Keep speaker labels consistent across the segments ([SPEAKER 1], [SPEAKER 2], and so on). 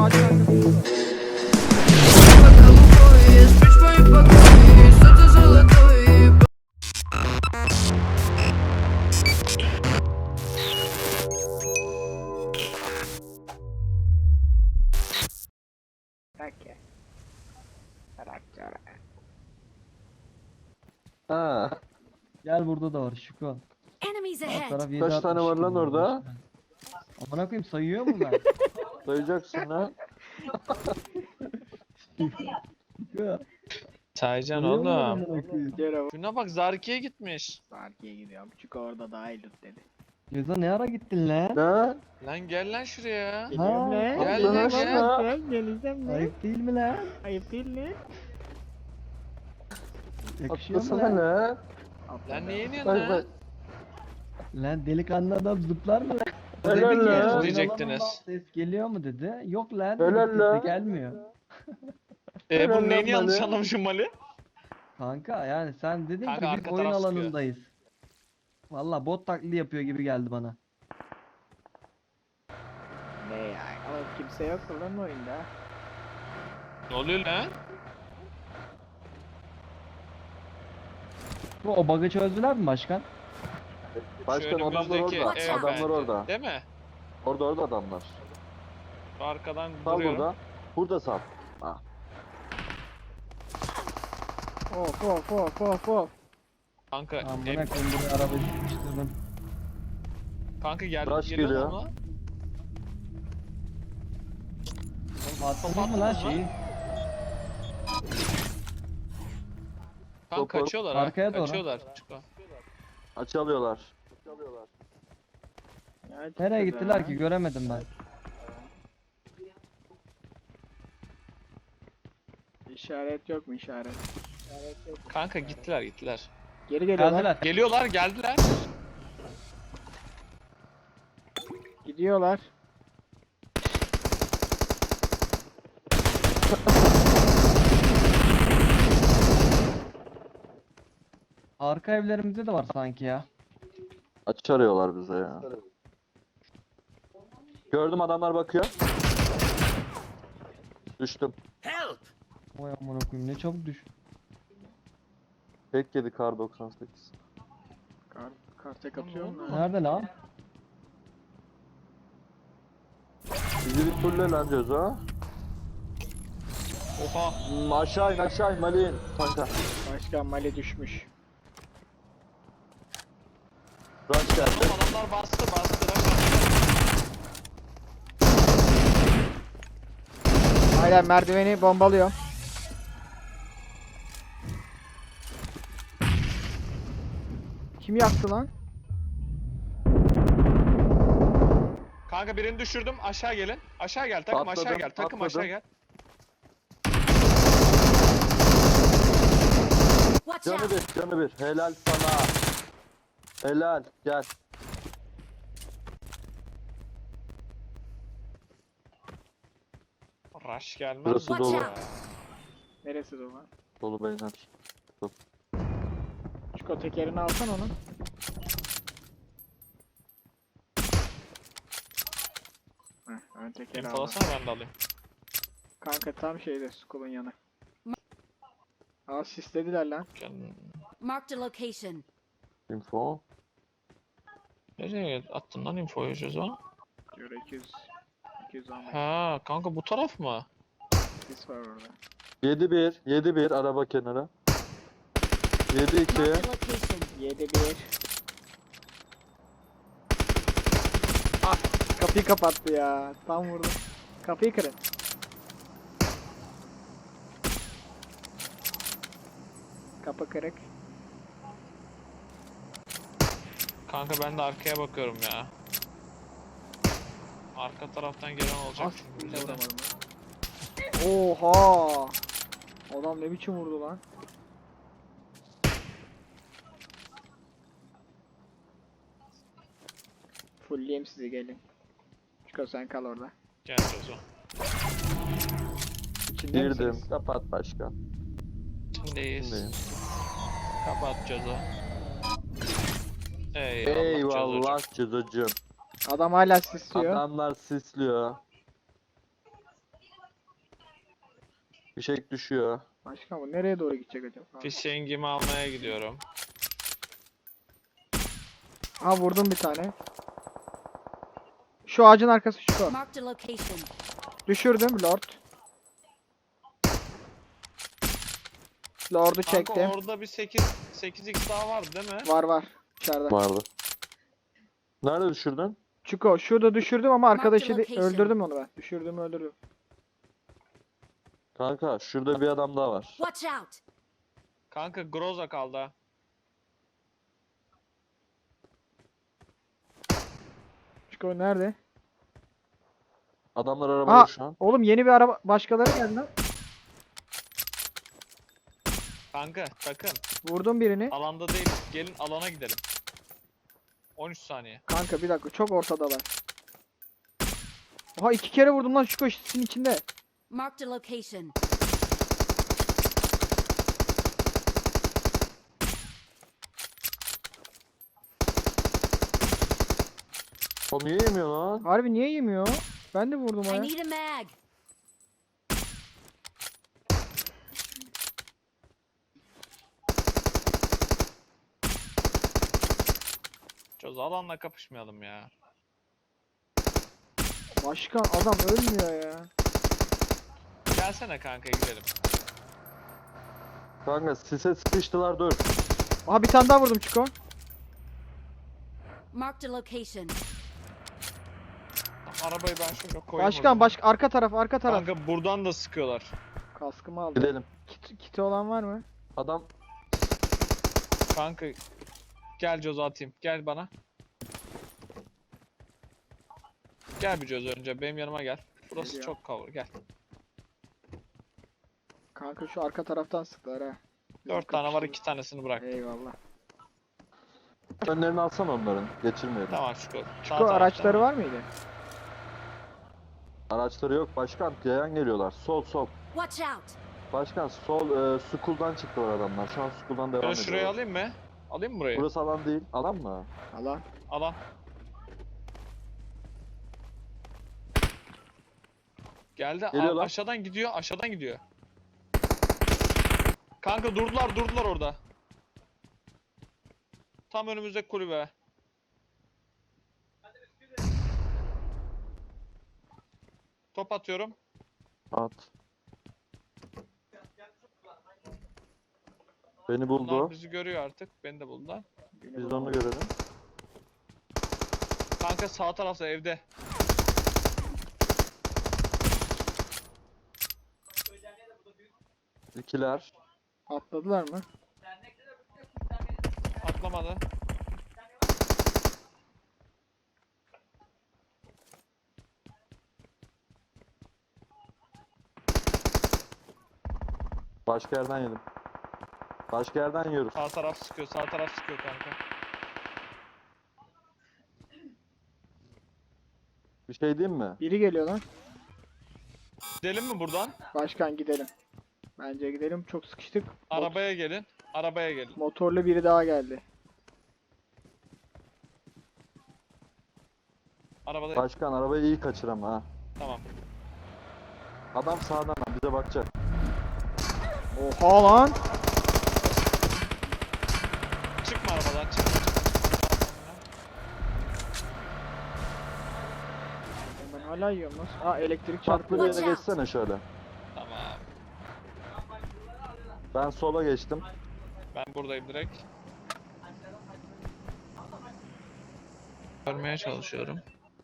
[SPEAKER 1] ağaç arkasında. Peki.
[SPEAKER 2] Ha.
[SPEAKER 3] Gel burada da var Şuko.
[SPEAKER 4] Enemies
[SPEAKER 3] Alt
[SPEAKER 4] ahead.
[SPEAKER 3] taraf
[SPEAKER 2] Kaç tane var lan
[SPEAKER 3] 7.62
[SPEAKER 2] orada?
[SPEAKER 3] Amına koyayım sayıyor mu ben?
[SPEAKER 2] Sayacaksın lan.
[SPEAKER 3] Şuko.
[SPEAKER 5] Saycan
[SPEAKER 3] sayıyor mu
[SPEAKER 5] oğlum.
[SPEAKER 3] amına koyayım?
[SPEAKER 1] Gel abi.
[SPEAKER 5] Şuna bak Zarki'ye gitmiş.
[SPEAKER 1] Sarki'ye gidiyorum. Çünkü orada daha iyi loot dedi.
[SPEAKER 3] Ceza ne ara gittin lan?
[SPEAKER 2] Ne?
[SPEAKER 5] Lan gel lan şuraya.
[SPEAKER 1] Geliyorum lan.
[SPEAKER 5] Gel
[SPEAKER 2] lan,
[SPEAKER 5] lan
[SPEAKER 2] gel.
[SPEAKER 5] gel.
[SPEAKER 1] Geleceğim lan.
[SPEAKER 3] Ayıp değil mi lan?
[SPEAKER 1] Ayıp değil mi?
[SPEAKER 3] Yakışıyor mu
[SPEAKER 2] Atlasana
[SPEAKER 3] lan?
[SPEAKER 2] ne?
[SPEAKER 5] Lan niye iniyorsun
[SPEAKER 2] Bak
[SPEAKER 5] lan?
[SPEAKER 2] bak.
[SPEAKER 3] Lan delikanlı adam zıplar mı lan?
[SPEAKER 2] Helal
[SPEAKER 3] Dedi ki,
[SPEAKER 2] lan.
[SPEAKER 3] oyun
[SPEAKER 5] Diyecektiniz.
[SPEAKER 3] alanından ses geliyor mu dedi. Yok lan
[SPEAKER 2] Helal
[SPEAKER 3] dedi,
[SPEAKER 2] lan.
[SPEAKER 3] sesi gelmiyor.
[SPEAKER 2] Helal
[SPEAKER 5] Bunu neyini
[SPEAKER 2] lan
[SPEAKER 5] yanlış
[SPEAKER 2] Mali.
[SPEAKER 5] anlamışım Mali?
[SPEAKER 3] Kanka yani sen dedin
[SPEAKER 5] Kanka
[SPEAKER 3] ki biz
[SPEAKER 5] arka
[SPEAKER 3] oyun
[SPEAKER 5] taraf sıkıyor.
[SPEAKER 3] alanındayız. Valla bot taklidi yapıyor gibi geldi bana.
[SPEAKER 1] Ne ya? Oğlum kimse yok lan oyunda.
[SPEAKER 5] Ne oluyor lan?
[SPEAKER 3] O bug'ı çözdüler mi başkan?
[SPEAKER 2] Başkan
[SPEAKER 5] Şu
[SPEAKER 2] adamlar
[SPEAKER 5] önümüzdeki
[SPEAKER 2] orada.
[SPEAKER 5] ev
[SPEAKER 2] Adamlar
[SPEAKER 5] bence.
[SPEAKER 2] orada.
[SPEAKER 5] Değil mi?
[SPEAKER 2] Orada adamlar.
[SPEAKER 5] Şu arkadan
[SPEAKER 2] Sal
[SPEAKER 5] duruyorum.
[SPEAKER 2] burada. Burada sal. Ha.
[SPEAKER 1] Of.
[SPEAKER 5] Kanka,
[SPEAKER 3] Amına
[SPEAKER 5] em-
[SPEAKER 3] koyayım buraya arabayı sıkıştırdım.
[SPEAKER 5] kanka geldi.
[SPEAKER 2] Rush
[SPEAKER 5] Geliyor
[SPEAKER 2] geliyor.
[SPEAKER 5] mu?
[SPEAKER 3] Oğlum attınız mı lan şeyi?
[SPEAKER 5] Kanka
[SPEAKER 2] Topu
[SPEAKER 5] kaçıyorlar ha.
[SPEAKER 3] arkaya doğru.
[SPEAKER 5] Kaçıyorlar. Çıko.
[SPEAKER 2] Açılıyorlar.
[SPEAKER 3] Nereye gittiler ki göremedim ben.
[SPEAKER 1] İşaret yok mu işaret?
[SPEAKER 5] Kanka gittiler.
[SPEAKER 1] Geri geliyorlar.
[SPEAKER 3] Geldiler.
[SPEAKER 5] Geldiler.
[SPEAKER 1] Gidiyorlar.
[SPEAKER 3] Arka evlerimizde de var sanki ya.
[SPEAKER 2] Açı arıyorlar bize ya. Gördüm adamlar bakıyor. Düştüm.
[SPEAKER 3] Oy amına koyayım ne çabuk düş.
[SPEAKER 2] Tek yedi kar 98.
[SPEAKER 1] Kar tek atıyor mu?
[SPEAKER 3] Nerede lan?
[SPEAKER 2] Bizi bir fulle lan Ceza.
[SPEAKER 5] Oha.
[SPEAKER 2] Aşağı in Malin. Kanka.
[SPEAKER 1] Başkan Mali düşmüş.
[SPEAKER 2] Rush geldi.
[SPEAKER 5] Oğlum adamlar bastı.
[SPEAKER 1] Aynen merdiveni bombalıyor. Kim yaktı lan?
[SPEAKER 5] Kanka birini düşürdüm. Aşağı gelin. Aşağı gel. Takım aşağı
[SPEAKER 2] Atladım,
[SPEAKER 5] gel. Takım
[SPEAKER 2] atladım.
[SPEAKER 5] aşağı gel.
[SPEAKER 4] Watch
[SPEAKER 2] Canı
[SPEAKER 4] out.
[SPEAKER 2] bir, canı bir. Helal sana. Helal. Gel.
[SPEAKER 5] Rush gelmez.
[SPEAKER 2] Burası
[SPEAKER 5] mi?
[SPEAKER 2] dolu.
[SPEAKER 4] Watch out.
[SPEAKER 1] Neresi de lan?
[SPEAKER 2] Dolu beyler.
[SPEAKER 1] Çiko tekerini alsan onun. Ön tekeri al.
[SPEAKER 5] İnfolasana ben de alayım.
[SPEAKER 1] Kanka tam şeyde Skull'un yanı. Aa sislediler lan.
[SPEAKER 4] Marked a location.
[SPEAKER 2] Info.
[SPEAKER 5] Nereye attın lan infoyu Jozo?
[SPEAKER 1] Diyor 210
[SPEAKER 5] Ha kanka bu taraf mı?
[SPEAKER 1] sis var orada.
[SPEAKER 2] 7-1. 7-1 araba kenara. 7-2.
[SPEAKER 4] Marked a location.
[SPEAKER 1] 7-1. Ah kapıyı kapattı ya. Tam vurdum. Kapıyı kırın. Kapı kırık.
[SPEAKER 5] Kanka ben de arkaya bakıyorum ya. Arka taraftan gelen olacak
[SPEAKER 1] Ah
[SPEAKER 5] çünkü
[SPEAKER 1] bir de
[SPEAKER 5] bize de.
[SPEAKER 1] vuramadım ben. Oha! Adam ne biçim vurdu lan? Fullleyeyim sizi gelin. Çıkar sen kal orada.
[SPEAKER 5] Gel Jozo.
[SPEAKER 1] İçinde
[SPEAKER 2] Girdim.
[SPEAKER 1] misiniz?
[SPEAKER 2] Kapat başkan.
[SPEAKER 5] Şimdiyiz.
[SPEAKER 2] Şimdiyim.
[SPEAKER 5] Kapat Jozo. Eyvallah,
[SPEAKER 2] Eyvallah
[SPEAKER 5] Jozocuğum.
[SPEAKER 2] Cıdıcım.
[SPEAKER 1] Adam hala sisliyor.
[SPEAKER 2] Adamlar sisliyor. Bir şey düşüyor.
[SPEAKER 1] Başkan bu nereye doğru gidecek acaba? Ha.
[SPEAKER 5] Fişengimi almaya gidiyorum.
[SPEAKER 1] Ha vurdum bir tane. Şu ağacın arkası şu.
[SPEAKER 4] Marked a location.
[SPEAKER 1] Düşürdüm Lord. Lord'u
[SPEAKER 5] Kanka
[SPEAKER 1] çektim.
[SPEAKER 5] orada bir 8x daha vardı değil mi?
[SPEAKER 1] Var var. İçeride.
[SPEAKER 2] Vardı. Nerede düşürdün?
[SPEAKER 1] Çuko şurada düşürdüm ama arkadaşı
[SPEAKER 4] location.
[SPEAKER 1] öldürdüm onu ben. Düşürdüm öldürdüm.
[SPEAKER 2] Kanka şurada bir adam daha var.
[SPEAKER 4] Watch out.
[SPEAKER 5] Kanka Groza kaldı ha.
[SPEAKER 1] Çuko nerede?
[SPEAKER 2] Adamlar arabada
[SPEAKER 1] Aa
[SPEAKER 2] şu an.
[SPEAKER 1] oğlum yeni bir araba başkaları geldi lan.
[SPEAKER 5] Kanka takım.
[SPEAKER 1] Vurdum birini.
[SPEAKER 5] Alanda değil. Gelin alana gidelim. 13 saniye.
[SPEAKER 1] Kanka bir dakika çok ortadalar. Oha 2 kere vurdum lan Çuko sisin içinde.
[SPEAKER 4] Marked a location.
[SPEAKER 2] O niye yemiyor lan?
[SPEAKER 1] Harbi niye yemiyor? Ben de vurdum
[SPEAKER 4] I
[SPEAKER 1] ha.
[SPEAKER 4] need a mag.
[SPEAKER 5] Çöz alanla kapışmayalım ya.
[SPEAKER 1] Başkan adam ölmüyor ya.
[SPEAKER 5] Gelsene kanka gidelim.
[SPEAKER 2] Kanka sise sıkıştılar dur.
[SPEAKER 1] Aha bir tane daha vurdum Çuko.
[SPEAKER 4] Marked a location.
[SPEAKER 5] Arabayı ben şöyle koyayım.
[SPEAKER 1] Başkan arka taraf arka taraf.
[SPEAKER 5] Kanka buradan da sıkıyorlar.
[SPEAKER 1] Kaskımı aldım.
[SPEAKER 2] Gidelim.
[SPEAKER 1] Kiti olan var mı?
[SPEAKER 2] Adam
[SPEAKER 5] Kanka gel Coz atayım. Gel bana. Gel bir Coz önce benim yanıma gel. Burası
[SPEAKER 1] Geliyor.
[SPEAKER 5] çok cover gel.
[SPEAKER 1] Kanka şu arka taraftan sıktılar ha.
[SPEAKER 5] 4 tane var 2 tanesini bırak.
[SPEAKER 1] Eyvallah.
[SPEAKER 2] önlerini alsana onların. Geçirmeyelim.
[SPEAKER 5] Tamam Çuko.
[SPEAKER 1] Çuko araçları var mıydı?
[SPEAKER 2] Araçları yok. Başkan yayan geliyorlar. Sol sol.
[SPEAKER 4] Watch out.
[SPEAKER 2] Başkan sol school'dan çıktılar adamlar. Şu an school'dan devam
[SPEAKER 5] Ben
[SPEAKER 2] ediyorlar.
[SPEAKER 5] şurayı alayım mı? Alayım mı burayı?
[SPEAKER 2] Burası alan değil. Alan mı?
[SPEAKER 1] Allah.
[SPEAKER 5] Alan. Geldi.
[SPEAKER 2] Geliyorlar.
[SPEAKER 5] Aşağıdan gidiyor. Aşağıdan gidiyor. Kanka durdular orada. Tam önümüzdeki kulübe. Top atıyorum.
[SPEAKER 2] At. Beni buldu.
[SPEAKER 5] Bunlar bizi görüyor artık. Beni de buldular.
[SPEAKER 2] Biz de onu görelim.
[SPEAKER 5] Kanka sağ tarafta evde.
[SPEAKER 2] İkiler.
[SPEAKER 1] Atladılar mı?
[SPEAKER 5] Atlamadı.
[SPEAKER 2] Başka yerden yedim. Başka yerden yiyoruz.
[SPEAKER 5] Sağ taraf sıkıyor. Sağ taraf sıkıyor kanka.
[SPEAKER 2] Bir şey diyeyim mi?
[SPEAKER 1] Biri geliyor lan.
[SPEAKER 5] Gidelim mi buradan?
[SPEAKER 1] Başkan gidelim. Bence gidelim. Çok sıkıştık.
[SPEAKER 5] Arabaya gelin. Arabaya gelin.
[SPEAKER 1] Motorlu biri daha geldi.
[SPEAKER 5] Arabada.
[SPEAKER 2] Başkan arabayı iyi kaçır ama ha.
[SPEAKER 5] Tamam.
[SPEAKER 2] Adam sağdan bize bakacak.
[SPEAKER 1] Oha lan.
[SPEAKER 5] Çıkma arabadan. Çıkma.
[SPEAKER 1] Ben hala yiyorum nasıl? Aa elektrik
[SPEAKER 2] Farklı
[SPEAKER 1] çarpıyor.
[SPEAKER 2] bir yere
[SPEAKER 4] Watch out.
[SPEAKER 2] geçsene şöyle.
[SPEAKER 5] Tamam.
[SPEAKER 2] Ben sola geçtim.
[SPEAKER 5] Ben buradayım direkt. Görmeye çalışıyorum.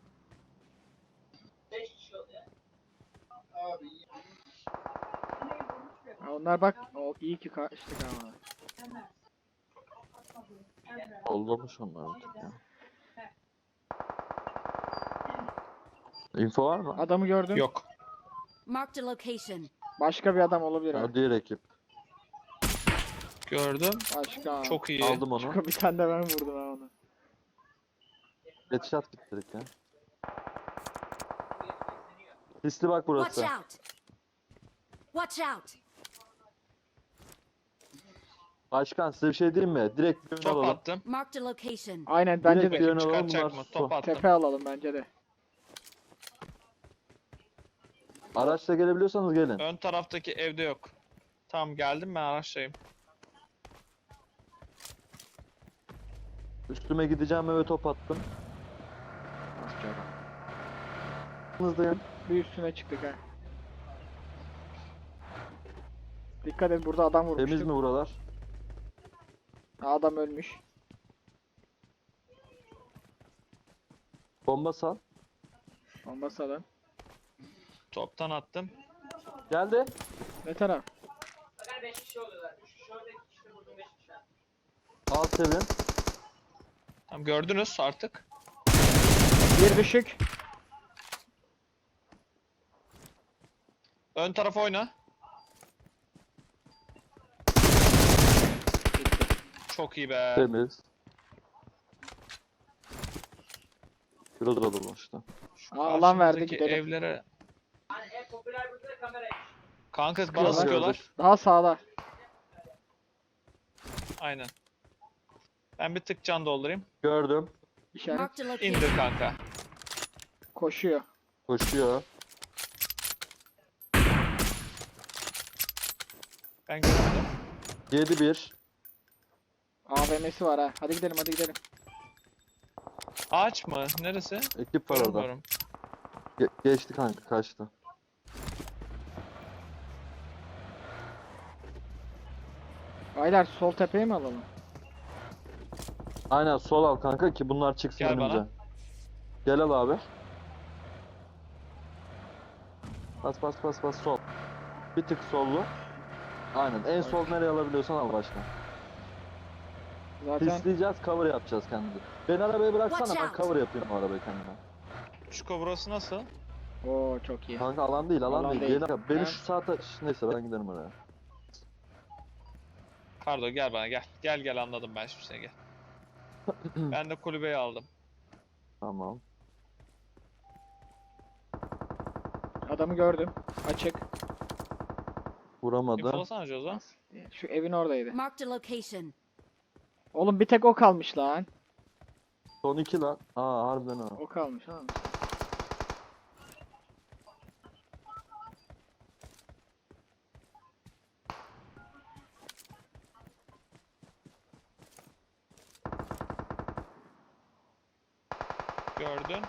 [SPEAKER 1] Ha, onlar bak. O iyi ki kaçtık ama.
[SPEAKER 2] Ollamış onlar artık ya. Info var mı?
[SPEAKER 1] Adamı gördüm.
[SPEAKER 5] Yok.
[SPEAKER 4] Marked a location.
[SPEAKER 1] Başka bir adam olabilir ha.
[SPEAKER 2] Ha, diğer ekip.
[SPEAKER 5] Gördüm.
[SPEAKER 1] Başka.
[SPEAKER 5] Çok iyi.
[SPEAKER 2] Aldım onu.
[SPEAKER 1] Çıkı bir tane de ben vurdum ha onu.
[SPEAKER 2] Headshot bitirdik ya. Hisli bak
[SPEAKER 4] Watch
[SPEAKER 2] burası.
[SPEAKER 4] out. Watch out.
[SPEAKER 2] Başkan size bir şey diyeyim mi? Direkt bir yön
[SPEAKER 5] Top
[SPEAKER 2] alalım.
[SPEAKER 5] attım.
[SPEAKER 4] Marked a location.
[SPEAKER 1] Aynen bence
[SPEAKER 2] Direkt
[SPEAKER 1] de.
[SPEAKER 2] bir yön
[SPEAKER 5] Bakayım
[SPEAKER 2] alalım.
[SPEAKER 5] çıkartacak
[SPEAKER 2] Bunlar
[SPEAKER 5] mı? Top attım.
[SPEAKER 1] Tepe alalım bence de.
[SPEAKER 2] Araçla gelebiliyorsanız gelin.
[SPEAKER 5] Ön taraftaki evde yok. Tamam geldim ben araçtayım.
[SPEAKER 2] Üstüme gideceğim eve top attım. Hızlıyım.
[SPEAKER 1] Bir üstüne çıktık ha. Dikkat et, burada adam vurmuştuk.
[SPEAKER 2] Temiz mi buralar?
[SPEAKER 1] Adam ölmüş.
[SPEAKER 2] Bomba sal.
[SPEAKER 1] Bomba salın.
[SPEAKER 5] Toptan attım.
[SPEAKER 2] Geldi.
[SPEAKER 1] Ne taraf?
[SPEAKER 2] Al Sevin.
[SPEAKER 5] Tamam gördünüz artık.
[SPEAKER 1] Bir düşük.
[SPEAKER 5] Ön tarafa oyna. Çok iyi be.
[SPEAKER 2] Temiz. Biraz alalım işte.
[SPEAKER 5] Şu
[SPEAKER 1] Alan verdi,
[SPEAKER 5] karşımızdaki
[SPEAKER 1] gidelim.
[SPEAKER 5] evlere. Kanka bana
[SPEAKER 1] Sıkıyorlar.
[SPEAKER 5] sıkıyorlar.
[SPEAKER 1] Daha sağda.
[SPEAKER 5] Aynen. Ben bir tık can doldurayım.
[SPEAKER 2] Gördüm.
[SPEAKER 1] İşaret
[SPEAKER 4] Marked a location.
[SPEAKER 5] İndir kanka.
[SPEAKER 1] koşuyor.
[SPEAKER 2] Koşuyor.
[SPEAKER 5] Ben gördüm.
[SPEAKER 2] 7-1.
[SPEAKER 1] AVM'si var ha. Hadi gidelim, hadi gidelim.
[SPEAKER 5] Ağaç mı? Neresi?
[SPEAKER 2] Ekip var orada.
[SPEAKER 5] Görmüyorum.
[SPEAKER 2] Geçti kanka, kaçtı.
[SPEAKER 1] Aylar, sol tepeye mi alalım?
[SPEAKER 2] Aynen sol al kanka ki bunlar çıksın
[SPEAKER 5] Gel
[SPEAKER 2] önümüze.
[SPEAKER 5] bana.
[SPEAKER 2] Gel al abi. Bas bas bas bas sol. Bir tık sollu. Aynen en sol nereye alabiliyorsan al başkan.
[SPEAKER 1] Zaten
[SPEAKER 2] Pisleyeceğiz, cover yapacağız kendimizi. Ben arabayı bıraksana,
[SPEAKER 4] Watch
[SPEAKER 2] ben
[SPEAKER 4] out.
[SPEAKER 2] cover yapayım o arabayı kendime.
[SPEAKER 5] Çuko burası nasıl?
[SPEAKER 1] Oo çok iyi.
[SPEAKER 2] Kanka alan değil, alan,
[SPEAKER 1] Alan
[SPEAKER 2] değil.
[SPEAKER 1] değil.
[SPEAKER 2] Gel- Beni
[SPEAKER 1] Ha?
[SPEAKER 2] şu saate... Neyse ben giderim oraya.
[SPEAKER 5] Pardon gel bana gel. Gel gel anladım ben şimdi seni gel. Ben de kulübeyi aldım.
[SPEAKER 2] Tamam.
[SPEAKER 1] Adamı gördüm. Açık.
[SPEAKER 2] Vuramadı.
[SPEAKER 5] İnfolasana Jozo.
[SPEAKER 1] Şu evin oradaydı.
[SPEAKER 4] Marked a location.
[SPEAKER 1] Oğlum bir tek o kalmış lan.
[SPEAKER 2] Son 2 lan. Aa harbiden ha.
[SPEAKER 1] O kalmış ha.
[SPEAKER 5] Gördün.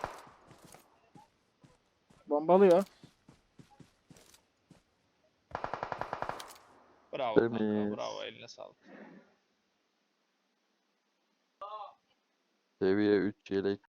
[SPEAKER 1] Bombalıyor.
[SPEAKER 5] Bravo kanka.
[SPEAKER 2] Temiz.
[SPEAKER 5] Bravo eline sağlık.
[SPEAKER 2] Seviye 3 yelek.